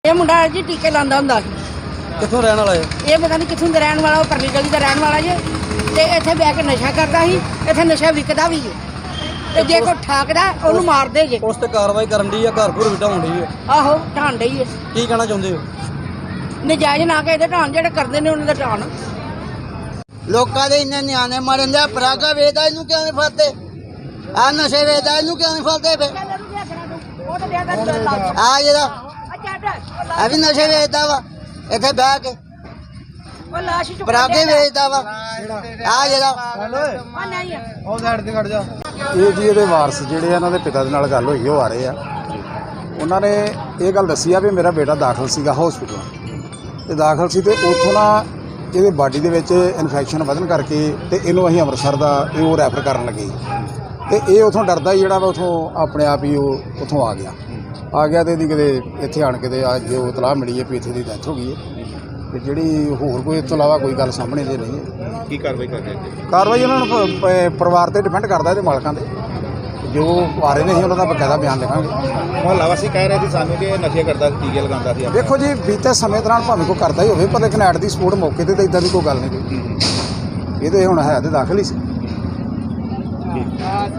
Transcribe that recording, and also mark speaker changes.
Speaker 1: ਇਹ ਮੁੰਡਾ ਜੀ ਟੀਕੇ ਲਾਉਂਦਾ ਹੁੰਦਾ ਸੀ।
Speaker 2: ਕਿੱਥੋਂ ਰਹਿਣ ਵਾਲਾ ਹੈ?
Speaker 1: ਇਹ ਪਤਾ ਨਹੀਂ ਕਿੱਥੋਂ ਦਾ ਰਹਿਣ ਵਾਲਾ, ਉਹ ਪਰਲੀ ਗਲੀ ਦਾ ਰਹਿਣ ਵਾਲਾ ਜੇ। ਤੇ ਇੱਥੇ ਬਹਿ ਕੇ ਨਸ਼ਾ ਕਰਦਾ ਸੀ, ਇੱਥੇ ਨਸ਼ਾ ਵਿਕਦਾ ਵੀ ਹੈ। ਤੇ ਜੇ ਕੋਈ ਠਾਕਦਾ ਉਹਨੂੰ ਮਾਰਦੇ ਜੇ।
Speaker 2: ਉਸ ਤੇ ਕਾਰਵਾਈ ਕਰਨ ਦੀ ਆ, ਘਰ ਘਰ ਵਿਟਾਉਣ ਦੀ ਹੈ।
Speaker 1: ਆਹੋ ਢਾਣ ਡਈ ਹੈ।
Speaker 2: ਕੀ ਕਹਿਣਾ ਚਾਹੁੰਦੇ ਹੋ?
Speaker 1: ਨਜਾਇਜ਼ ਨਾ ਕੇ ਇਹਦੇ ਢਾਣ, ਜਿਹੜੇ ਕਰਦੇ ਨੇ ਉਹਨਾਂ ਦਾ ਢਾਣ।
Speaker 3: ਲੋਕਾਂ ਦੇ ਇੰਨੇ ਨਿਆਣੇ ਮਰਨ ਦੇ, ਪਰਾਗਾ ਵੇਚਦਾ ਇਹਨੂੰ ਕਿਉਂ ਨਹੀਂ ਫੜਦੇ? ਆ ਨਸ਼ੇ ਵੇਚਦਾ ਇਹਨੂੰ ਕਿਉਂ ਨਹੀਂ ਫੜਦੇ? ਫੇ ਆ ਜਿਹੜਾ ਆ ਵੀ ਨਸ਼ੇ ਵੇਚਦਾ ਵਾ, ਇੱਥੇ ਬਹਿ ਕੇ ਪਰਾਗੇ ਵੇਚਦਾ ਵਾ। ਆ ਜਿਹੜਾ
Speaker 2: ਉਹ ਸਾਈਡ ਤੇ ਖੜ ਜਾ।
Speaker 4: ਇਹ ਜੀ ਇਹਦੇ ਵਾਰਸ ਜਿਹੜੇ ਆ, ਇਹਨਾਂ ਦੇ ਪਿਤਾ ਦੇ ਨਾਲ ਗੱਲ ਹੋਈ, ਉਹ ਆ ਰਹੇ ਆ। ਉਹਨਾਂ ਨੇ ਇਹ ਗੱਲ ਦੱਸੀ ਆ ਵੀ ਮੇਰਾ ਬੇਟਾ ਦਾਖਲ ਸੀਗਾ ਹਸਪੀਟਲ, ਤੇ ਦਾਖਲ ਸੀ ਤੇ ਉੱਥੋਂ ਨਾ ਇਹਦੇ ਬਾਡੀ ਦੇ ਵਿੱਚ ਇਨਫੈਕਸ਼ਨ ਵਧਣ ਕਰਕੇ ਤੇ ਇਹਨੂੰ ਅਸੀਂ ਅੰਮ੍ਰਿਤਸਰ ਦਾ ਉਹ ਰੈਫਰ ਕਰਨ ਲੱਗੇ। ਤੇ ਇਹ ਉੱਥੋਂ ਡਰਦਾ ਹੀ ਜਿਹੜਾ ਵਾ ਉੱਥੋਂ ਆਪਣੇ ਆਪ ਹੀ ਉਹ ਉੱਥੋਂ ਆ ਗਿਆ ਤੇ ਇਹਦੀ ਕਿਤੇ ਇੱਥੇ ਆਣ ਕੇ ਤੇ ਅੱਜ ਉਹ ਇਤਲਾਹ ਮਿਲੀ ਹੈ ਵੀ ਇੱਥੇ ਦੀ ਡੈਥ ਹੋ ਗਈ ਹੈ। ਤੇ ਜਿਹੜੀ ਹੋਰ ਕੋਈ ਇਸ ਤੋਂ ਇਲਾਵਾ ਕੋਈ ਗੱਲ ਸਾਹਮਣੇ ਜੇ ਨਹੀਂ ਹੈ।
Speaker 5: ਕੀ ਕਾਰਵਾਈ ਕਰਦੇ?
Speaker 4: ਕਾਰਵਾਈ ਉਹਨਾਂ ਨੂੰ ਪਰਿਵਾਰ ਤੇ ਡਿਪੈਂਡ ਕਰਦਾ, ਇਹਦੇ ਮਾਲਕਾਂ ਤੇ। ਜੋ ਆ ਰਹੇ ਨੇ ਅਸੀਂ ਉਹਨਾਂ ਦਾ ਬਕਾਇਦਾ ਬਿਆਨ ਲਿਖਾਂਗੇ।
Speaker 5: ਮੁਹੱਲਾ ਵਾਸੀ ਕਹਿ ਰਹੇ ਸੀ ਸਾਨੂੰ ਕਿ ਇਹ ਨਸ਼ੇ ਕਰਦਾ ਸੀ, ਟੀਕੇ ਲਗਾਉਂਦਾ ਸੀ।
Speaker 4: ਦੇਖੋ ਜੀ, ਬੀਤੇ ਸਮੇਂ ਦੌਰਾਨ ਭਾਵੇਂ ਕੋਈ ਕਰਦਾ ਹੀ ਹੋਵੇ, ਪਰ ਲੇਕਿਨ ਐਟ ਦੀ ਸਪੋਰਟ ਮੌਕੇ ਤੇ ਤਾਂ ਇਦਾਂ ਦੀ ਕੋਈ ਗੱਲ ਨਹੀਂ ਕੋਈ। ਇਹ ਤੇ ਹੁਣ ਹੈ ਤੇ ਦਾਖਲ ਹੀ ਸੀ।